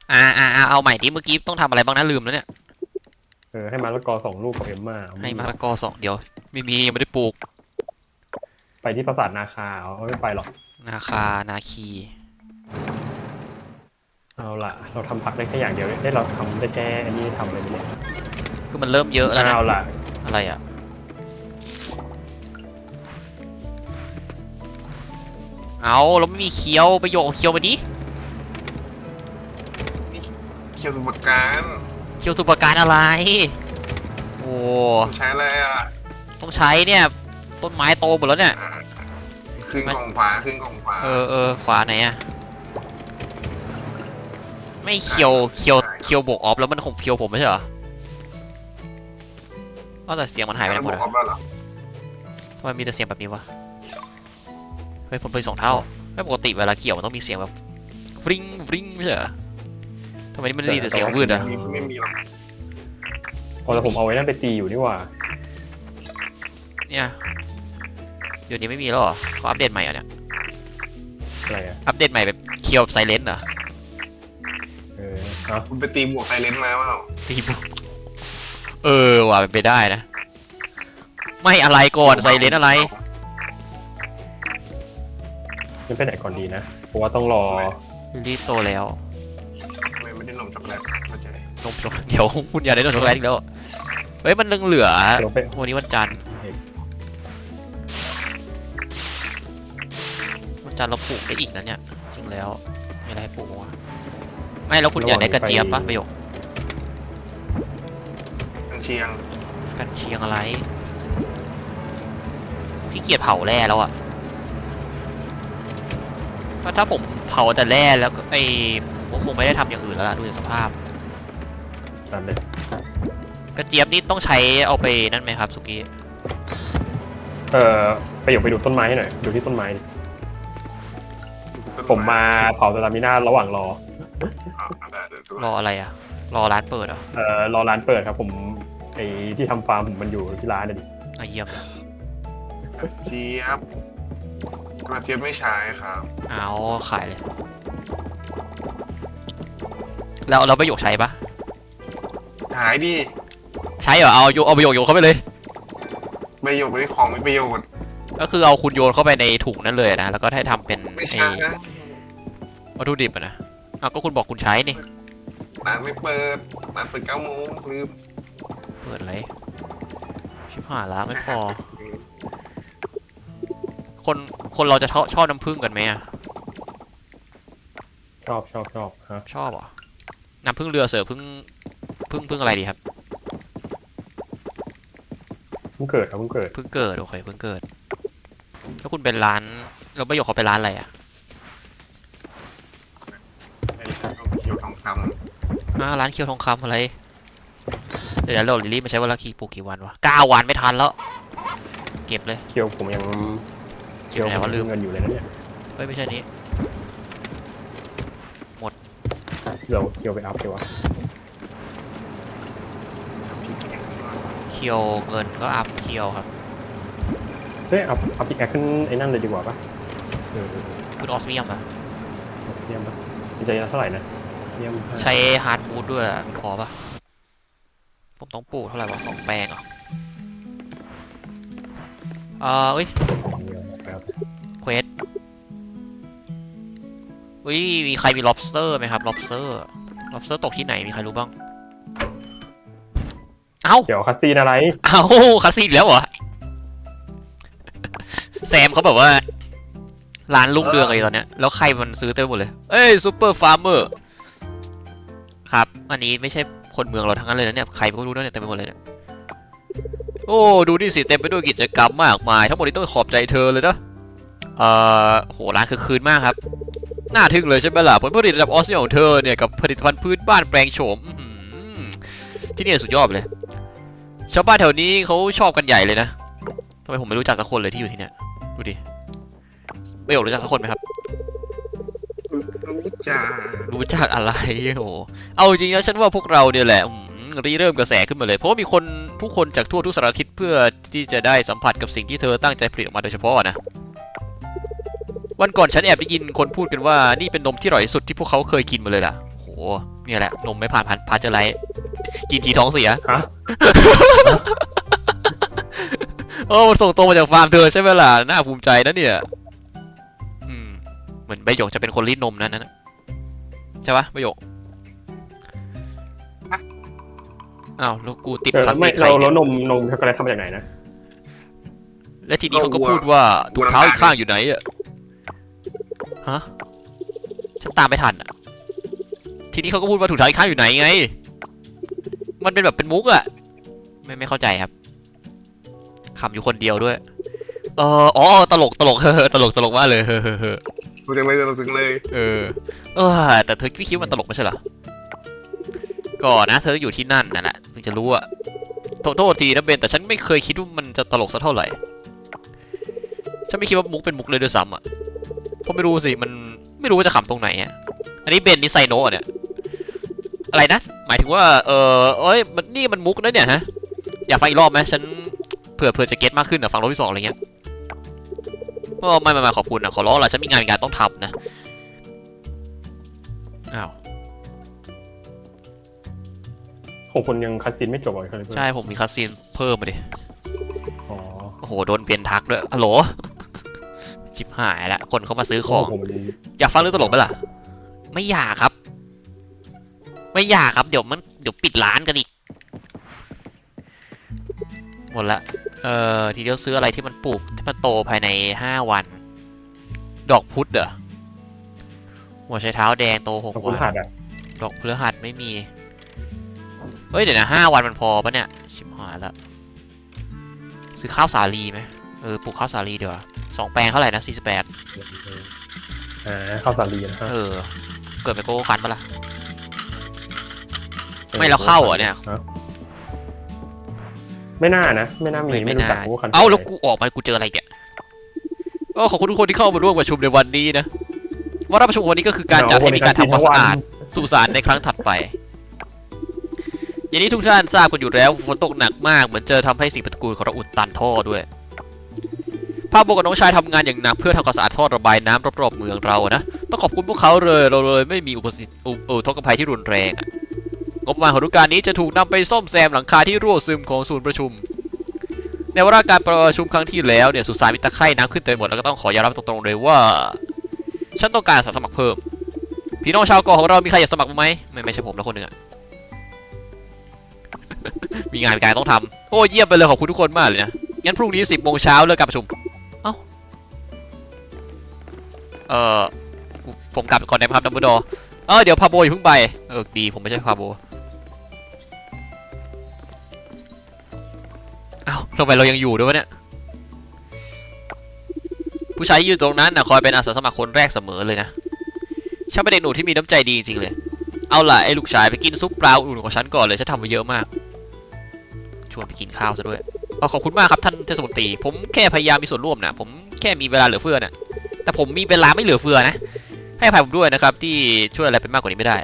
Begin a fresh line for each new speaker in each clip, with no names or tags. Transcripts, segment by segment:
เอาใหม่ดิเมื่อกี้ต้องทำอะไรบ้างนะลืมแล้วเนี่ย
ให้มะละกอ2 ลูกกับเอ็มม่า
ให้มะละกอ2เดี๋ยวไม่มียังไม่ได้ปลูก
ไปที่ปราสาทนาคาเขาไม่ไปหรอก
นาคานาคี
เอาล่ะเราทำผักได้แค่อย่างเดียวเราทำได้แค่อันนี้ทำอะไรเนี่ย
คือมันเริ่มเยอะแล้วนะ
เอาล่ะ
อะไรอ่ะเอาเราไม่มีเคี้ยวไปโยกเคี้ยวมาดิ
เคียวสมุทรการ
เคี้ยวสุปการอะไรโอ้
ใช้อะไรอ่ะ
ต้องใช้เนี่ยต้นไม้โตหมดแล้วเนี่ย
ขึ้นกล่องฝาขึ้นกล่องฝา
ขวาไหนอะไม่เคียวบวกออฟแล้วมันคงเคียวผมไม่ใช่เหรอก็แต่เสียงมันหายไปไหนหมดอะทำไมมีแต่เสียงแบบนี้วะเฮ้ยผมไป2 เท่าไม่ปกติเวลาเกี่ยวมันต้องมีเสียงแบบฟริ้งฟริ้งไม่ใช่เหรอทำไมนี่มันมีแต่เสียงวืดอะ
ไม่มีหรอก
แต่ผมเอาไว้นั่นไปตีอยู่นี่ว่า
เนี่ยเดี๋ยวนี้ไม่มีแล้วเหรอเขาอัปเดตใหม่เหรอเนี่ย
อะไรอะ
อัปเดตใหม่แบบเคียวไซเลนต์เหรอ
คุณไปตีบวกไซเลนมาเปล่า
ตีบวกว่ะเป็นไปได้นะไม่อะไรก่อนไซเลนอะไร
ยังไปไหนก่อนดีนะเพราะว่าต้องรอ
รีบโตแล้ว
ไม่ได้นมช็อกโกแลตเข้าใจ
นมช็อกเดี๋ยวคุณอยากได้นมช็อกโกแลตอีกแล้วเฮ้ยมันเหลือวันนี้วันจันทร์เราปลูกได้อีกนะเนี่ยจริงแล้วมีอะไรให้ปลูกวะไม่แล้วคุณอยากได้กระเจี๊ยบปะประโยค
กันเชียง
อะไรขี้เกียจเผาแร่แล้วอะถ้าผมเผาแต่แร่แล้วผมคงไม่ได้ทำอย่างอื่นแล้วล่ะดูจากสภาพ
นั่นเลย
กระเจี๊ยบนี่ต้องใช้เอาไปนั่นไหมครับสุกี้
ไปดูต้นไม้ให้หน่อยดูที่ต้นไม้ผมมาเผาสตามิน่าระหว่างร
ออะไรอะรอร้านเปิดอ่ะ
รอร้านเปิดครับผมที่ทำฟาร์มผมมันอยู่ที่ร้านดิ
เยี่ยม
เจี๊ยบกระเจี๊ยบไม่ใช้ครับ
เอาขายเลยแล้วเราประโยคใช้ปะ
หายดิ
ใช้เหรอเอาประโยคโยนเข้าไปเลย
ประโยคไม่ได้ของไม่ประโยชน์
ก็คือเอาคุณโยนเข้าไปในถุงนั้นเลยนะแล้วก็ให้ทำเป็น
ไม่ใช่
วัตถุดิบนะก็คุณบอกคุณใช้นี่
ร้านไม่เปิดร้านเปิด9 โมงลืม
เปิดอะไรชิบหายละไม่พอคนเราจะชอบน้ำผึ้งกันไหมอะ
ชอบฮะ
ชอบอ่ะน้ำผึ้งเรือเสือพึ่งอะไรดีครับ
เพิ่งเกิดครับเพิ่งเกิด
โอเคเพิ่งเกิดแล้วคุณเป็นร้านเราประโยคเขาเป็นร้านอะไรอะ
เขียวทองค
ำร้านเคียวทองคำอะไรเดี๋ยวเราลิลี่มาใช้เวลาปลูกกี่วันวะ9 วันไม่ทันแล้วเก็บเลย
เคียวผมยัง
เคียวว่าลืม
เงินอยู่เลยนะเนี่ย
เฮ้ยไม่ใช่นี้หมด
เดี๋ยวเคียวไปอัพเดี๋ยววะ
เคียวเงินก็อัพเคียวครับ
อัพอีกแอคขึ้นไอ้นั่นเลยดีกว่าปะ
คุณออสเมียมอะ
ออสเมียมปะจะเท่าไหร่นะ
ใช้ฮาร์ดบูทด้วยพอปะผมต้องปลูกเท่าไหร่วะ2 แปลงเหรอเควสมีใครมี lobster ไหมครับ lobster ตกที่ไหนมีใครรู้บ้าง
เดี๋ยวคัสซีนอะไร
คัสซีนแล้วเหรอแซมเขาแบบว่าร้านลุ่งเรืองอะไรตอนเนี้ยแล้วใครมันซื้อเต็มหมดเลยซูเปอร์ฟาร์มเมอร์ครับอันนี้ไม่ใช่คนเมืองเราทั้งนั้นเลยนะเนี่ยใครก็รู้เนี่ยเต็มไปหมดเลยเนี่ยโอ้ดูดิสิเต็มไปด้วยกิจกรรมมากมายทั้งหมดนี้ต้องขอบใจเธอเลยนะโหร้านคือคืนมากครับน่าทึ่งเลยใช่ไหมล่ะผลผลิตระดับออสเตรเลียของเธอเนี่ยกับผลิตภัณฑ์พื้นบ้านแปลงโฉมที่นี่สุดยอดเลยชาวบ้านแถวนี้เขาชอบกันใหญ่เลยนะทำไมผมไม่รู้จักสักคนเลยที่อยู่ที่เนี่ยดูดิไม่รู้จักสักคนไหมครับรู้จักอะไรโอ้เอาจริงนะฉันว่าพวกเราเนี่ยแหละเริ่มกระแสขึ้นมาเลยเพราะว่ามีผู้คนจากทั่วทุกสารทิศเพื่อที่จะได้สัมผัสกับสิ่งที่เธอตั้งใจผลิตออกมาโดยเฉพาะนะวันก่อนฉันแอบได้ยินคนพูดกันว่านี่เป็นนมที่อร่อยที่สุดที่พวกเขาเคยกินมาเลยล่ะโอ้เนี่ยแหละนมไม่ผ่านพาสเจอร์ไลท์กินทีท้องเสีย
ฮะ
โอ้มันส่งตรงมาจากฟาร์มเธอใช่ไหมล่ะน่าภูมิใจนะเนี่ยเหมือนใบหยกจะเป็นคนรีดนมนั่นนะใช่ปะใบหยกอ้าวแล้วกูติดคลาส
ไม่
สิกใคร
เรา
เนี่ย
นมช็อกโกแลตทำมาจากไหนนะ
และทีนี้เขาก็พูดว่าถุงเท้าอีกข้างอยู่ไหนอะฮะฉันตามไม่ทันอะทีนี้เขาก็พูดว่าถุงเท้าอีกข้างอยู่ไหนไงมันเป็นแบบเป็นมุกอะไม่เข้าใจครับขำอยู่คนเดียวด้วยอ๋อตลกตลก ตลกมากเลย
รู้จังเลยเราถึงเลย
แต่เธอไม่คิดว่ามันตลกไม่ใช่เหรอก่อนนะเธออยู่ที่นั่นนั่นแหละถึงจะรู้อะโทษทีนะเบนแต่ฉันไม่เคยคิดว่ามันจะตลกสักเท่าไหร่ฉันไม่คิดว่ามุกเป็นมุกเลยด้วยซ้ำอะเพราะไม่รู้สิมันไม่รู้ว่าจะขำตรงไหนอะอันนี้เบนนี่ไซโนะเนี่ยอะไรนะหมายถึงว่านี่มันมุกนะเนี่ยฮะอยากฟังอีกรอบไหมฉันเผื่อจะเก็ตมากขึ้นอะฟังรอบที่ 2อะไรเงี้ยไม่ขอบคุณนะขอร้องละฉันมีงานต้องทำนะอ้าว
ของคนยังคัดซีนไม่จบเลย
ใช่ผมมีคัสซีนเพิ่มมาดิ
อ๋อ
โอ้โหโดนเปลี่ยนทักด้วยฮัลโหลชิบหายละคนเขามาซื้อของอยากฟังเรื่องตลกไหมล่ะไม่อยากครับเดี๋ยวปิดร้านกันอีกหมดละทีเดียวซื้ออะไรที่มันปลูกที่มันโตภายใน5 วันดอกพุธเหรอหัวไชเท้าแดงโต6 วันดอกพฤหัสไม่มีเฮ้ยเดี๋ยวนะ5 วันมันพอปะเนี่ยชิบหายละซื้อข้าวสาลีไหมปลูกข้าวสาลีเดี๋ยว2 แปลงเท่าไหร่นะ48
ข้าวสาลีนะ
เกิดไปโก้คันปะล่ะไม่แล้วเข้าเนี่ย
ไม่น่านะไม่น่ามีไม่รู้จักคัน
แล้วกูออกมากูเจออะไรแกขอบคุณทุกคนที่เข้ามาร่วมประชุมในวันนี้นะว่าประชุมวันนี้ก็คือการจัดให้มีการทำความสะอาดสุสานในครั้งถัดไปอย่างนี้ทุกท่านทราบกันอยู่แล้วฝนตกหนักมากเหมือนเจอทำให้สิ่งปฏิกูลของเราอุดตันท่อด้วยพาโบกับน้องชายทำงานอย่างหนักเพื่อทำความสะอาดท่อระบายน้ำรอบๆเมืองเรานะต้องขอบคุณพวกเขาเลยเราเลยไม่มีอุทกภัยที่รุนแรงงบประมาณของฤดูกาลนี้จะถูกนำไปซ่อมแซมหลังคาที่รั่วซึมของศูนย์ประชุมในวาระการประชุมครั้งที่แล้วเนี่ยสุสานมีตะไคร่น้ำขึ้นเต็มหมดแล้วก็ต้องขอยอมรับตรงๆเลยว่าฉันต้องการสมัครเพิ่มพี่น้องชาวเกาะของเรามีใครอยากสมัครไหมไม่ใช่ผมแล้วคนหนึ่งมีงานการต้องทำโอ้เยี่ยมไปเลยขอบคุณทุกคนมากเลยนะงั้นพรุ่งนี้10 โมงเช้าเลิกการประชุมผมกลับก่อนนะครับดัมเบิลดอร์เดี๋ยวพาโบอย่าเพิ่งไปดีผมไม่ใช่พาโบทำไมเรายังอยู่ด้วยวะเนี่ยผู้ชายอยู่ตรงนั้นนะคอยเป็นอาสาสมัครคนแรกเสมอเลยนะฉันเป็นเด็กหนุ่มที่มีน้ำใจดีจริงๆเลยเอาล่ะไอ้ลูกชายไปกินซุปปลาอุ่นของฉันก่อนเลยฉันทำไปเยอะมากชวนไปกินข้าวซะด้วยขอบคุณมากครับท่านเทศมนตรีผมแค่พยายามมีส่วนร่วมนะผมแค่มีเวลาเหลือเฟือนะแต่ผมมีเวลาไม่เหลือเฟือนะให้อภัยผมด้วยนะครับที่ช่วยอะไรเป็นมากกว่านี้ไม่ได้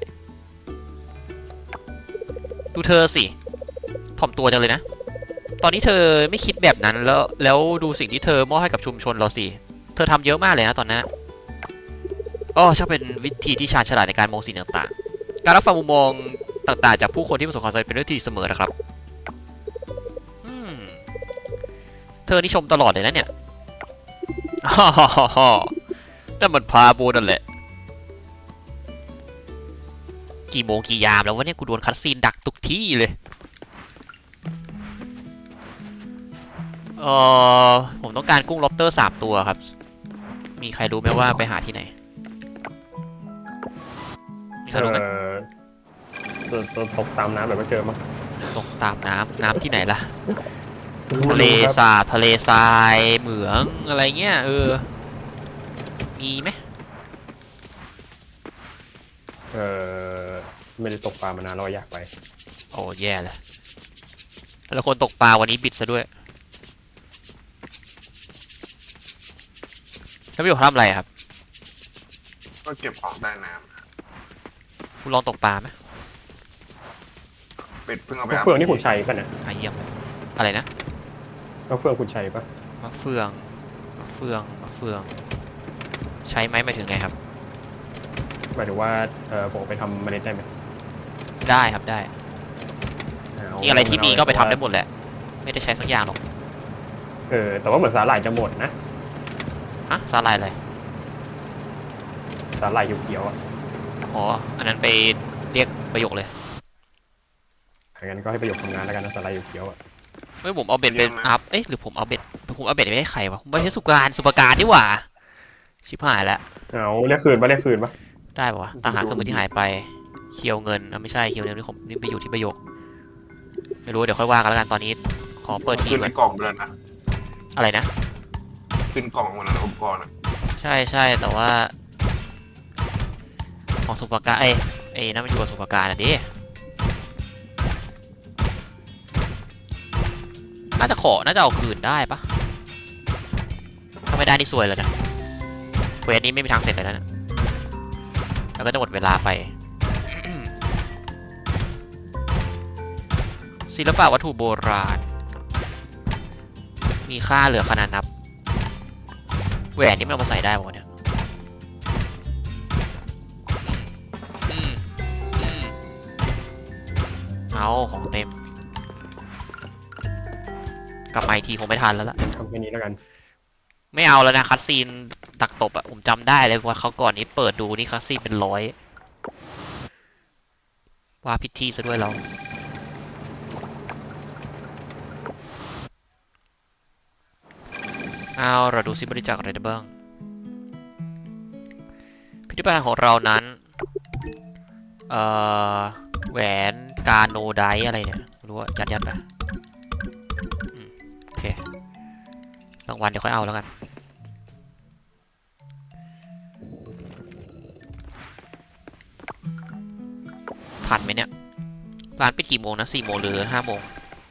ดูเธอสิถ่อมตัวจังเลยนะตอนนี้เธอไม่คิดแบบนั้นแล้วดูสิ่งที่เธอมอบให้กับชุมชนเราสิเธอทำเยอะมากเลยนะตอนนั้นช่างเป็นวิธีที่ชาญฉลาดในการมองสิ่งต่างๆการรับฟังมุมมองต่างๆจากผู้คนที่ประสบความสำเร็จเป็นเรื่องที่เสมอนะครับเธอนี่ชมตลอดเลยนะเนี่ยนั่นมันพาโบนั่นแหละกี่โมงกี่ยามแล้ววะเนี่ยกูโดนคัตซีนดักทุกที่เลยผมต้องการกุ้งล็อบสเตอร์3 ตัวครับมีใครรู้ไหมว่าไปหาที่ไหนมีใครรู้ไหม
ตกตามน้ำแบบไม่เจอมั้ง
ตกตามน้ำที่ไหนล่ะทะเลสาบทะเลทรายเหมืองอะไรเงี้ยมีไหม
ไม่ได้ตกปลามานานเราอยากไป
โอ้แย่เลยแล้วคนตกปลาวันนี้บิดซะด้วยแล้วพี่บอกทำอะไรครับ
ก็เก็บของใต้น้
ำคุณลองตกปลาไหม
เป็ดเพิ่งเอาไป
เฟืองนี่คุณชัยป่ะเนี่ย
เยี่ยมอะไรนะ
เฟืองคุณชัยป่ะ
มะเฟืองใช้ไหมหมายถึงไงครับ
หมายถึงว่าผมเอาไปทำเมล็ดได้ไหม
ได้ครับได้
เา
ที่อะไรที่มีก็ไปทำได้
แต่ว่า
หมดแหละ ไม่ได้ใช้สักอย่างหรอก
แต่ว่าเหมือนสาหร่ายจะหมดนะ
ฮะสาหร่ายอะไร
สาหร่ายเขียวๆอ่ะ
อ๋ออันนั้นไปเรียกประโยคเลย
งั้นก็ให้ประโยคทำงานแล้วกันนะสาหร่ายเขียวๆอ่ะ
เฮ้ยผมเอาเบ็ดเป็นอัพเอ๊ะหรือผมเอาเบ็ดไปให้ใครวะผมไม่ใช่สุปการนี่หว่าชิบหายแล้ว
เอาเรียกคืนปะเรียกคืนปะ
ได้ปะวะตามหาเครื่องมือที่หายไปเคียวเงินไม่ใช่เคียวเงินนี่ผมนี่ไปอยู่ที่ประโยคไม่รู้เดี๋ยวค่อยว่ากันแล้วกันตอนนี้ขอเปิดที
ขึ้น
ก่อ
ใน
น
กล่องไปแล้วนะ
อะไรนะ
ขึ้นกล่องมาแล้วนะอุปกรณ์อะ
ใช่ใช่แต่ว่าของสุปการไอ้นั่นมันอยู่กับสุปการนะดิน่าจะเอาคืนได้ปะถ้าไม่ได้นี่ซวยเลยนะเควสนี้ไม่มีทางเสร็จเลยนะแล้วก็จะหมดเวลาไป ศิลปะวัตถุโบราณ มีค่าเหลือขนาดนับแหวนนี่มันเอามาใส่ได้ป่ะเนี่ยอืมเอาของเต็ม กลับมาอีกทีคงไม่ทันแล้วล่ะ
ทำแค่นี้แล้วกัน
ไม่เอาแล้วนะคัสซีนตักตบอะผมจำได้เลยว่าเขาก่อนนี้เปิดดูนี่คัสซีนเป็นร้อยว่าพิธีซะด้วยเราเอาเราดูซิบริจาคอะไรได้บ้างพิธีการของเรานั้นแหวนกาโนไดอะไรเนี่ยไม่รู้ว่ายัดไปโอเครางวัลเดี๋ยวค่อยเอาแล้วกันทันไหมเนี่ยร้านปิดกี่โมงนะ4 โมงหรือ5 โมง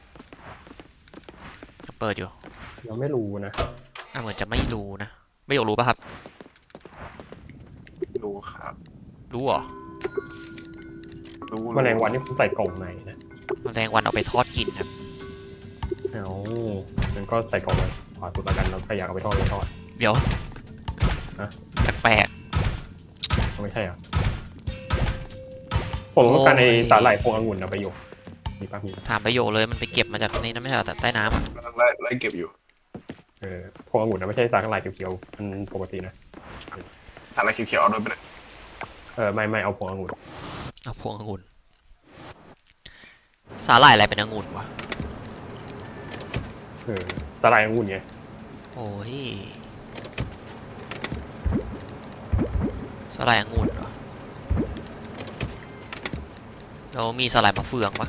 เปิดอยู่
เราไม่รู้นะ
เหมือนจะไม่รู้นะไม่อยากรู้ป่ะครับ
ดูครับ
รู้เหรอ
รู้
แมลงวันนี่ผมใส่กล่องไหนนะ
แมลงวันเอาไปทอดกินครับ
เอางั้นก็ใส่กล่องไว้ขวาสุดแล้วกันเราใครอยากเอาไปทอดไปทอด
เดี๋ยว
ฮะ
แปลก
ไม่ใช่เหรอผมต้องการใน
โอ้ย
สาหร่ายพวงองุ่นนะประโยคมีปะมีปะ
ๆถามประโยคเลยมันไปเก็บมาจากในนั้นไม่ใช่เหรอแต่ใต้น้ำอะ
กำลังไล่เก็บอยู่
พวงองุ่นนะไม่ใช่สาหร่ายเขียวๆมันปกตินะ
สาหร่ายเขียวๆเอาด้วยไปเลย
ไม่เอาพวงองุ่น
เอาพวงองุ่นสาหร่ายอะไรเป็นองุ่นวะ
สาหร่ายองุ่นไง
โอ้ยสาหร่ายองุ่นเหรอแล้วมีสาหร่ายมะเฟืองปะ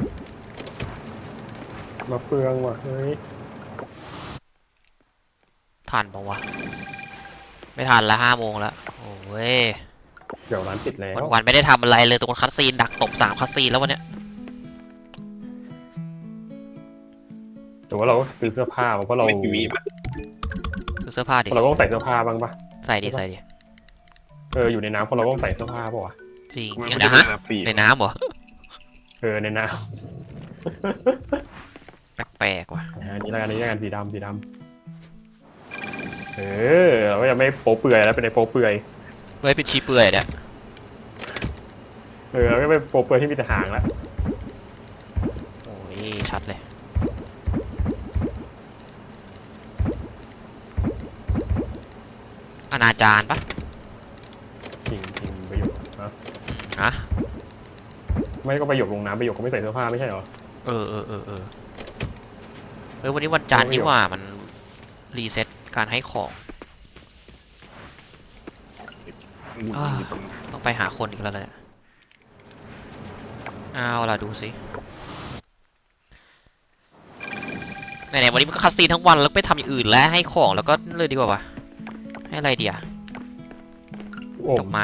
มะเฟืองว่ะเฮ้ย
ทันปะวะไม่ทันละ5 โมงแล้วโอ้ย
เดี๋ยวร้านปิดแล้ว
วันๆไม่ได้ทำอะไรเลยตัวคัสซีนดักตบ3 คัสซีนแล้ววันเนี้ย
แต่ว่าเราก็ซื้อเสื้อผ้ามาเพราะเรา
ไม่มีวีปะ
ซื้อเสื้อผ้าดิ
เราก็ต้องใส่เสื้อผ้าบ้างปะ
ใส่ดิ
อยู่ในน้ำเพราะเราก็ต้องใส่เสื้อผ้าป่ะวะ
จริง
มัน
อย่าง
ไม่
นะ
ได้
ฮะ
ระดับสี่
ในน้ำเหรอ
ในน้
แปลกๆว่ะ
ำอันนี้แล้วกันสีดำเราก็จะไม่โป๊เปื่อยแล้วเป็นในโป๊เปื่อย
เฮ้ยเป็นชีเปื่อยเนี่ย
เราก็ไม่โป๊เปื่อยที่มีแต่หางแล้ว
โอ้ยชัดเลยอนาจารปะ
จริงประโยคนะ
ฮะ
ไม่ก็ประโยคลงน้ำประโยคก็ไม่ใส่เสื้อผ้าไม่ใช่เหรอ
เออวันนี้วันจันทร์นี่หว่ามันรีเซ็ตการให้ของ
องุ่นอยู่ตรง
ต้องไปหาคนอีกแล้วเนี่ยเอาล่ะดูสิไหนๆวันนี้มันก็คัดซีนทั้งวันแล้วไปทำอย่างอื่นแล้วให้ของแล้วก็เลยดีกว่าวะให้อะไรเดีย
โอ้
ดอกไม้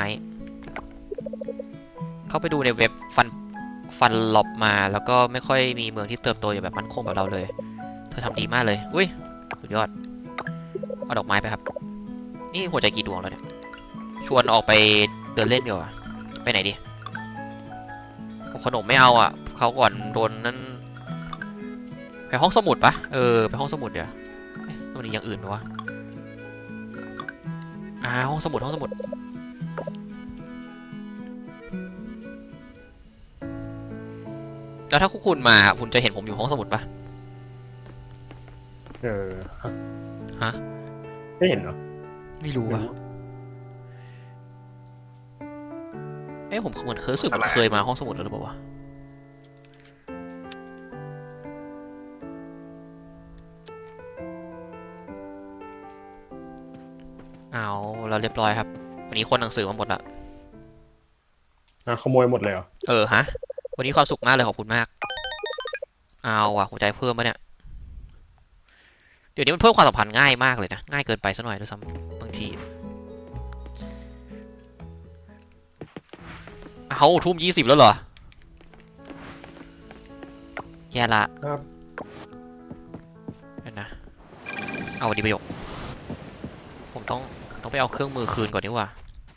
เข้าไปดูในเว็บฟันล็อบมาแล้วก็ไม่ค่อยมีเมืองที่เติบโตอย่างแบบมั่นคงแบบเราเลยเธอทำดีมากเลยอุ้ยสุดยอดเอาดอกไม้ไปครับนี่หัวใจกี่ดวงแล้วเนี่ยชวนออกไปเดินเล่นดีกว่าไปไหนดีขนมไม่เอาอ่ะเขาก่อนโดนนั่นไปห้องสมุดปะไปห้องสมุดเดี๋ยวมันมีอย่างอื่นปะวะห้องสมุดแล้วถ้าคุณมาคุณจะเห็นผมอยู่ห้องสมุดปะ
เออ
ฮะ
ไม่เห็นเหรอ
ไม่รู้อะผมเหมือนเคยรู้สึกมันเคยมาห้องสมุดแล้วหรือเปล่าวะเอาเราเรียบร้อยครับ วันนี้คนหนังสือมาหมดละ
ขโมยหมดเลยเหรอ
ฮะ วันนี้ความสุขมากเลยขอบคุณมาก เอาว่ะหัวใจเพิ่มปะเนี่ย เดี๋ยวนี้มันเพิ่มความสัมพันธ์ง่ายมากเลยนะ ง่ายเกินไปซะหน่อยด้วยซ้ำบางที เอาทุ่ม20แล้วเหรอ แย่ละ
ครับ
เดี๋ยวนะ เอาดีประโยค ผมต้องไปเอาเครื่องมือคืนก่อนดีกว่า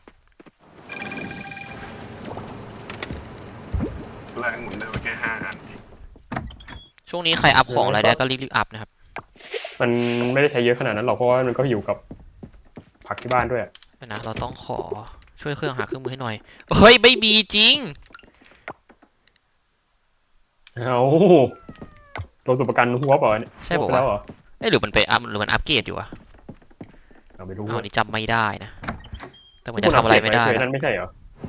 แรงหมุนได้ไปแค่5 อันเอง
ช่วงนี้ใครอัพของอะไรได้ก็รีบอัพนะครับ
มันไม่ได้ใช้เยอะขนาดนั้นหรอกเพราะว่ามันก็อยู่กับผักที่บ้านด้วย
เดี๋ยวนะ เราต้องขอช่วยเครื่องหาเครื่องมือให้หน่อย เฮ้ย ไม่มีจริง
เอาโดนตัวประกันหัวเปล่าเนี่ย
ใช่บอก
หัวไป
ว่า
แล้วเหรอ
หรือมันไปอัพหรือมันอัพเกรดอยู่อะ
เอาไม่รู้
อันนี้จำไม่ได้นะ แต่มันจะทำอะไรไม่ได้
เคย
นะ
นั่นไม่ใช่เหรอ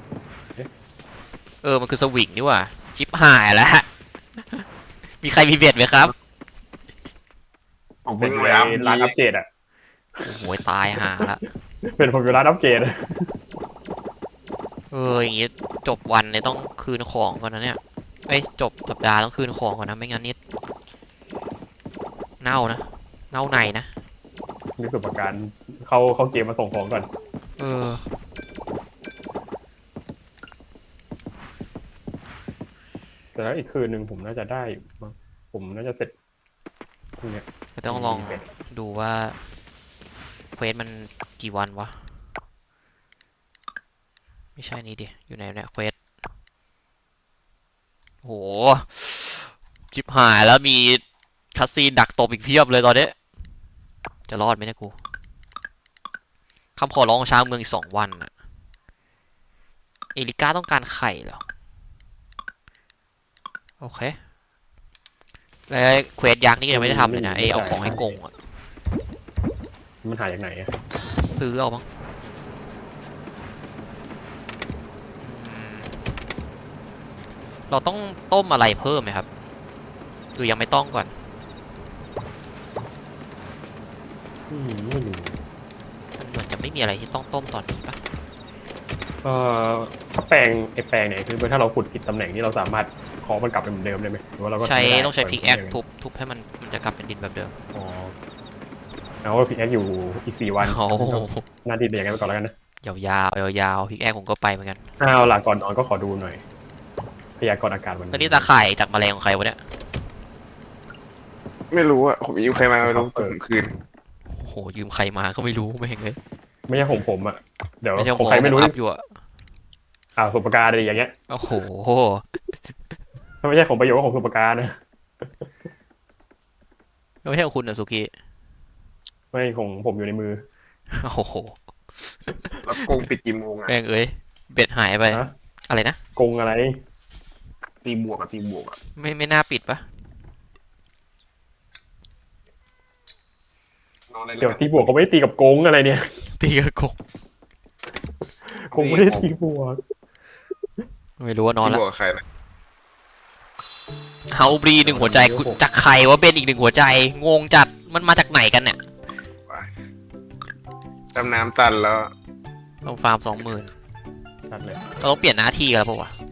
มันคือสวิงนี่หว่าชิปหายแล้ว มีใครมีเบ็ดไหมครับ
ผม
เป็
เพิ่
น
งไปอัพ
ร้านอัปเกรดอ่ะ
โอ้โหตายหาละ
เป็นผมอยู่ร้านอัปเกรดอะ
อย่างงี้จบวันเนี่ยต้องคืนของก่อนนะเนี่ยจบสัปดาห์ต้องคืนของก่อนนะไม่งั้นนิดเน่านะเน่าในนะ
มีตัวประกันเข้าเกมมาส่งของก่อน แต่แล้วอีกคืนหนึ่งผมน่าจะได้มั้งผมน่าจะเสร็จพรุ่งเนี้ย
จะต้องลองดูว่าเควสมันกี่วันวะไม่ใช่นี่ดิอยู่ไหนเนี่ยเควสโหจิบหายแล้วมีคัสซีนดักตบอีกเพียบเลยตอนนี้จะรอดไหมเนี่ยกูคำขอร้องของชาวเมืองอีก2 วันอะเอลิก้าต้องการไข่เหรอโอเคแล้วเควสยักษ์นี่ยังไม่ได้ทำเลยนะเอาของให้กงอะ
มันหาจากไหนอะ
ซื้อเอามั้งเราต้องต้มอะไรเพิ่มไหมครับหรือยังไม่ต้องก่อน
ไม่รู้
มันเหมือนจะไม่มีอะไรที่ต้องต้มตอนนี้ปะ
ถ้าแปลงเนี่ยคือถ้าเราขุดผิดตำแหน่งนี่เราสามารถขอมันกลับไปเหมือนเดิมได้ไหมหรือว่าเราก็
ต้องใช้พิกแอคทุบให้มันจะกลับเป็นดินแบบเดิม
อ๋อเอาพิกแอคอยู่อีก4 วัน
โอ้โห
หน้าที่เป็นอย่างนั้นไปก่อนแล้วกันนะ
ยาวพิกแอคผมก็ไปเหมือนกัน
หลังก่อนนอนก็ขอดูหน่อยพยากรณ์อากาศวัน
ตอนนี้ตาข่ายจากแมลงของใครวะเนี่ย
ไม่รู้อะผมยืมใครมาไม่รู้แต่ผมคืน
โอ้โหยืมใครมาก็ไม่รู้ไม่เห็นเลย
ไม่ใช่ของผมอ่ะเดี๋ยว
ไม่ใช่
ของใครไม่รู้
อัพอยู่อะ
สุปการอะไรอย่างเงี้ย
โอ้โห
ถ้าไม่ใช่ของประโยชน์ก็ของสุปการนะ
ไม่ใช่ของคุณนะสุกี้
ไม่ของผมอยู่ในมือ
โอ้โห
แล้วโกงปิดกี่โมงอะ
แม่งเบ็ดหายไป
ฮะ
อะไรนะ
โกงอะไร
ตีบวกอะ
ไม่น่าปิดปะ
นอนเลย
เดี๋ยว
แล้วกัน
ตีบวกเขาไม่ได้ตีกับโกงอะไรเนี่ย
ตีกระกง
โกงไม่ได้ตีบวก
ไม่รู้ว่านอน
ตี
แล้ว
บวกกับใครนะ
เฮาบรี1 หัวใจจากใครว่าเป็นอีก1 หัวใจงงจัดมันมาจากไหนกันเนี่ย
ดำน้ำตันแล้ว
ต้องฟาร์ม 20,000
ชัดเลย
เราต้องเปลี่ยนหน้าที่กันแล้วปะวะ